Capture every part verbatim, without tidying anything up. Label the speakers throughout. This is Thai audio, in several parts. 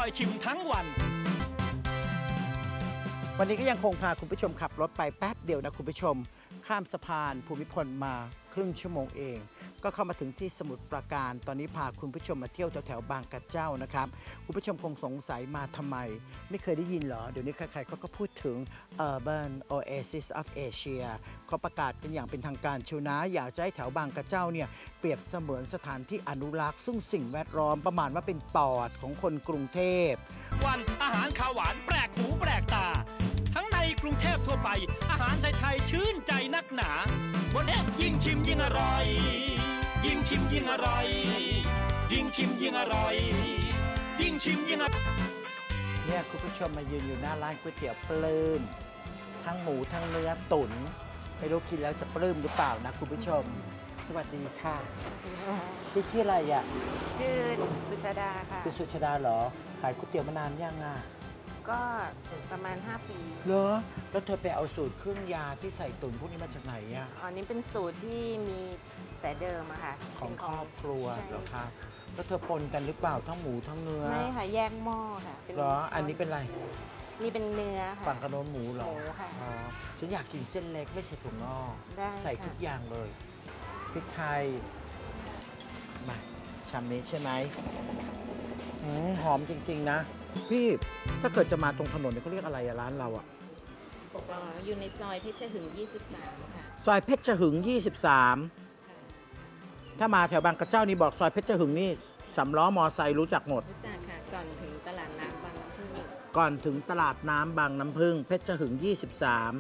Speaker 1: ชิมทั้งวัน
Speaker 2: วันนี้ก็ยังคงพาคุณผู้ชมขับรถไปแป๊บเดียวนะคุณผู้ชมข้ามสะพานภูมิพลมาครึ่งชั่วโมงเองก็เข้ามาถึงที่สมุทรปราการตอนนี้พาคุณผู้ชมมาเที่ยวแถวๆบางกระเจ้านะครับคุณผู้ชมคงสงสัยมาทำไมไม่เคยได้ยินเหรอเดี๋ยวนี้ใครๆเขาก็พูดถึง Urban Oasis of Asia เขาประกาศกันอย่างเป็นทางการชิวนะอยากจะให้แถวบางกระเจ้าเนี่ยเปรียบเสมือนสถานที่อนุรักษ์ซึ่งสิ่งแวดล้อมประมาณว่าเป็นปอดของคนกรุงเทพ
Speaker 1: วันอาหารข้าวหวานแปลกหูแปลกตาทั้งในกรุงเทพทั่วไปอาหารไทยๆชื่นใจนักหนาวันนี้ยิ่งชิมยิ่งอร่อยยิ่งชิมยิ่งอร่อยยิ่งชิมยิ่งอร่อยยิ่งชิมยิ่งอร่อย
Speaker 2: เนี่ยคุณผู้ชมมายืนอยู่หน้าร้านก๋วยเตี๋ยวปลื้มทั้งหมูทั้งเนื้อตุ๋นไม่รู้กินแล้วจะปลื้มหรือเปล่านะคุณผู้ชมสวัสดีค่ะพี่ชื่ออะไรอ่ะ
Speaker 3: ชื่อสุชาดาค่ะ
Speaker 2: คุณสุชาดาเหรอขายก๋วยเตี๋ยวมานานยังอ่ะ
Speaker 3: ก็ประมาณห้าปี
Speaker 2: เหรอแล้วเธอไปเอาสูตรเครื่องยาที่ใส่ตุ๋นพวกนี้มาจากไหนอ่ะ
Speaker 3: อ๋อนี่เป็นสูตรที่มีแต่เดิมอะค่ะ
Speaker 2: ของครอบครัวเหรอคะแล้วเธอปนกันหรือเปล่าทั้งหมูทั้งเนื้อ
Speaker 3: ไม่ค่ะแยกหม้อค่ะ
Speaker 2: เหรออันนี้เป็นอะไร
Speaker 3: นี่เป็นเนื้อค่ะ
Speaker 2: ฝั่งกระโดนหมูเหรอ
Speaker 3: หมูค่ะ
Speaker 2: อ๋อฉันอยากกินเส้นเล็กไม่ใส่ถั่วงอกใส่ทุกอย่างเลยพริกไทยมาชามนี้ใช่ไหมหอมจริงๆนะพี่ถ้าเกิดจะมาตรงถนนเนี่ยเขาเรียกอะไรอะร้านเราอะ
Speaker 3: อ๋ออยู่ในซอยเพชรหึงยี่สิบสามค่ะ
Speaker 2: ซอยเพชรหึงยี่สิบสามถ้ามาแถวบางกระเจ้านี่บอกซอยเพชรหึงนี่สำล้อมอไซค์รู้จักหมด
Speaker 3: รู้จักค่ะก่อนถึงตลาดน้ำบางน้ำพึ่ง
Speaker 2: ก่อนถึงตลาดน้ำบางน้ำพึ่งเพชรหึงยี่สิบสาม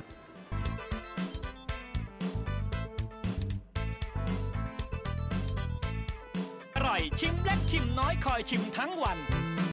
Speaker 1: อร่อยชิมเล็กชิมน้อยคอยชิมทั้งวัน